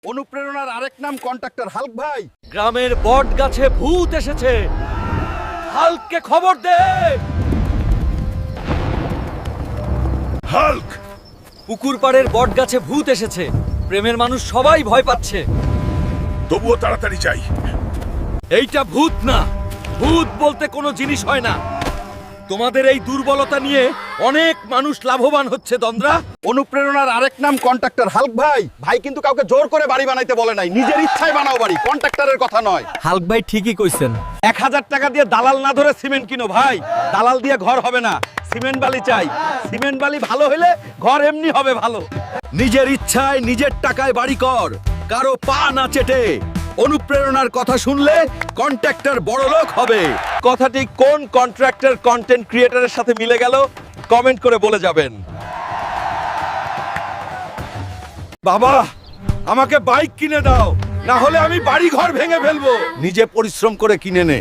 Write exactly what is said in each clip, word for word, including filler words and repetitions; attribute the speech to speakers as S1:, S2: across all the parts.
S1: অনুপ্রেরণার আরেক নাম কন্ট্রাক্টর হাল্ক ভাই।
S2: গ্রামের বট গাছে ভূত এসেছে, হাল্ককে খবর দে।
S1: হাল্ক,
S2: পুকুর পাড়ের বট গাছে ভূত এসেছে, প্রেমের মানুষ সবাই ভয় পাচ্ছে।
S1: তবুও তাড়াতাড়ি চাই।
S2: এইটা ভূত না, ভূত বলতে কোনো জিনিস হয় না। তোমাদের এই দুর্বলতা নিয়ে অনেক মানুষ লাভবান হচ্ছে দন্দ্রা।
S1: অনুপ্রেরণার আরেক নাম কন্ট্রাক্টর হাল্ক ভাই। ভাই কিন্তু কাউকে জোর করে বাড়ি বানাইতে বলে নাই, নিজের ইচ্ছায় বানাও বাড়ি, কন্ট্রাক্টরের কথা নয়।
S2: হাল্ক ভাই ঠিকই কইছেন।
S1: এক হাজার টাকা দিয়ে দালাল না ধরে সিমেন্ট কিনো ভাই। দালাল দিয়ে ঘর হবে না, সিমেন্ট বালি চাই। সিমেন্ট বালি ভালো হলে ঘর এমনি হবে ভালো।
S2: নিজের ইচ্ছায় নিজের টাকায় বাড়ি কর, কারো পা না চেটে। অনুপ্রেরণার কথা শুনলে কন্ট্রাক্টর বড়লোক হবে।
S1: কথাটি কোন কন্ট্রাক্টর কন্টেন্ট ক্রিয়েটরের সাথে মিলে গেল কমেন্ট করে বলে যাবেন।
S2: বাবা, আমাকে বাইক কিনে দাও, না হলে আমি বাড়ি ঘর ভেঙে ফেলবো।
S1: নিজে পরিশ্রম করে কিনে নে।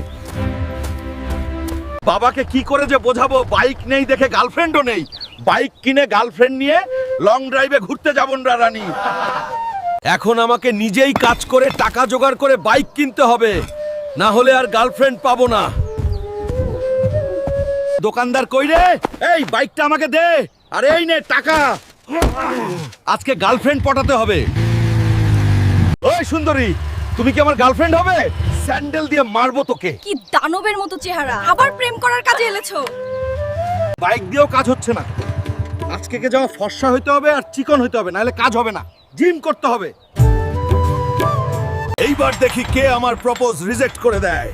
S2: বাবাকে কি করে যে বোঝাবো, বাইক নেই দেখে গার্লফ্রেন্ডও নেই।
S1: বাইক কিনে গার্লফ্রেন্ড নিয়ে লং ড্রাইভে ঘুরতে যাবন রানী।
S2: এখন আমাকে নিজেই কাজ করে টাকা জোগাড় করে বাইক কিনতে হবে, না হলে আর গার্লফ্রেন্ড পাবো না।
S1: দোকানদার কই রে? এই বাইকটা আমাকে দে। আরে এই নে টাকা।
S2: আজকে গার্লফ্রেন্ড পটাতে হবে।
S1: ওই সুন্দরী, তুমি কি আমার গার্লফ্রেন্ড হবে? স্যান্ডেল দিয়ে মারবো তোকে।
S3: কি দানবের মতো চেহারা, আবার প্রেম করার কাজে এলেছো?
S1: বাইক দিয়েও কাজ হচ্ছে না। আজকে কে যাওয়া ফর্সা হইতে হবে আর চিকন হইতে হবে, নাহলে কাজ হবে না। জিম করতে হবে।
S2: এইবার দেখি কে আমার প্রপোজ রিজেক্ট করে দেয়।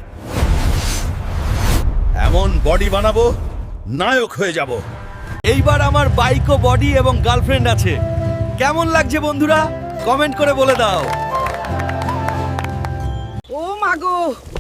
S2: এমন বডি বানাবো, নায়ক হয়ে যাব। এইবার আমার বাইক ও বডি এবং গার্লফ্রেন্ড আছে। কেমন লাগছে বন্ধুরা, কমেন্ট করে বলে দাও।
S3: ও মাগো,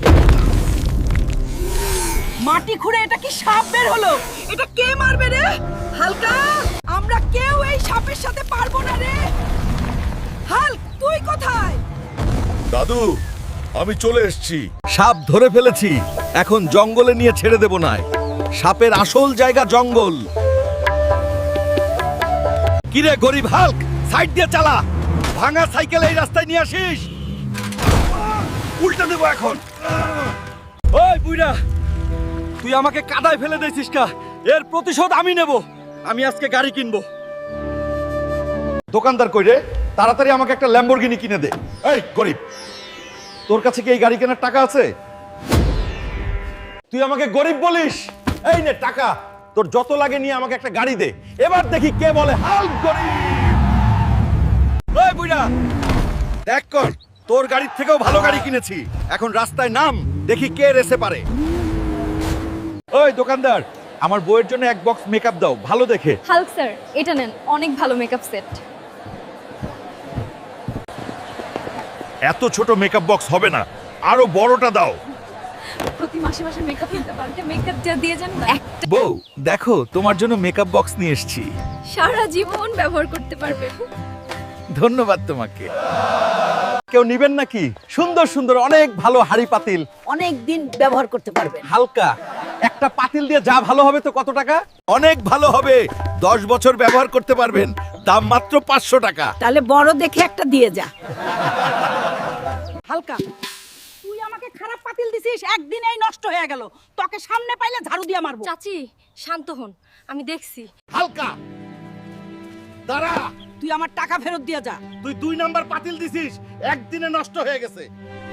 S3: মাটি খুঁড়ে এটা কি সাপ বের হলো? এটা কে মারবে রে? হালকা, আমরা কেউ এই সাপের সাথে পারবো না রে। হাল্ক, তুই কোথায়?
S2: দাদু, আমি চলে এসেছি। সাপ ধরে ফেলেছি, এখন জঙ্গলে নিয়ে ছেড়ে দেব না। সাপের আসল জায়গা জঙ্গল। কিরে গরিব হাল্ক, সাইড দিয়ে চালা। ভাঙা সাইকেল এই রাস্তায় নিয়ে আসিস। উল্টা দেবো এখন। ওই বুইড়া, তুই আমাকে কাদায় ফেলে দিয়েছিস কা? এর প্রতিশোধ আমি নেব। আমি আজকে গাড়ি কিনবো।
S1: দোকানদার কই রে? তাড়াতাড়ি আমাকে একটা ল্যাম্বরগিনি কিনে দে। এই গরিব, তোর কাছে কি এই গাড়ি কেনার টাকা আছে? তুই আমাকে গরিব বলিস? এই নে টাকা, তোর যত লাগে নিয়ে আমাকে একটা গাড়ি দে। এবার দেখি কে বলে হাল্ক গরিব।
S2: ওই বুইড়া, দেখ কর, তোর গাড়ির থেকেও ভালো গাড়ি কিনেছি। এখন রাস্তায় নাম, দেখি কে রেসে পারে।
S1: ওই দোকানদার, আমার বউয়ের জন্য এক বক্স মেকআপ দাও, ভালো দেখে।
S3: হাল্ক স্যার, এটা নেন, অনেক ভালো মেকআপ সেট।
S1: এত ছোট মেকআপ বক্স হবে না, আরো বড়টা দাও।
S3: প্রতি মাসে মাসে মেকআপ নিতে পারতে মেকআপ যা দিয়ে যান না, একটা
S2: বউ দেখো, তোমার জন্য মেকআপ বক্স নিয়ে এসেছি।
S3: সারা জীবন ব্যবহার করতে পারবে।
S2: ধন্যবাদ তোমাকে।
S1: কেউ নিবেন নাকি? সুন্দর সুন্দর অনেক ভালো হাড়ি পাতিল,
S4: অনেক দিন ব্যবহার করতে পারবেন।
S1: হালকা। একটা পাতিল দিয়ে যা ভালো হবে তো কত টাকা?
S2: অনেক ভালো হবে, দশ বছর ব্যবহার করতে পারবেন। দাম মাত্র পাঁচশো টাকা।
S4: তাহলে বড় দেখে একটা দিয়ে যা।
S5: হালকা, তুই আমাকে খারাপ পাতিল দিছিস, একদিনেই নষ্ট হয়ে গেল। তোকে সামনে পাইলে ঝাড়ু দিয়ে মারবো।
S3: চাচি, শান্ত হন, আমি দেখছি।
S1: হালকা
S5: তুই আমার টাকা ফেরত দিয়ে যা।
S1: তুই দুই নাম্বার পাতিল দিছিস, একদিনে নষ্ট হয়ে গেছে।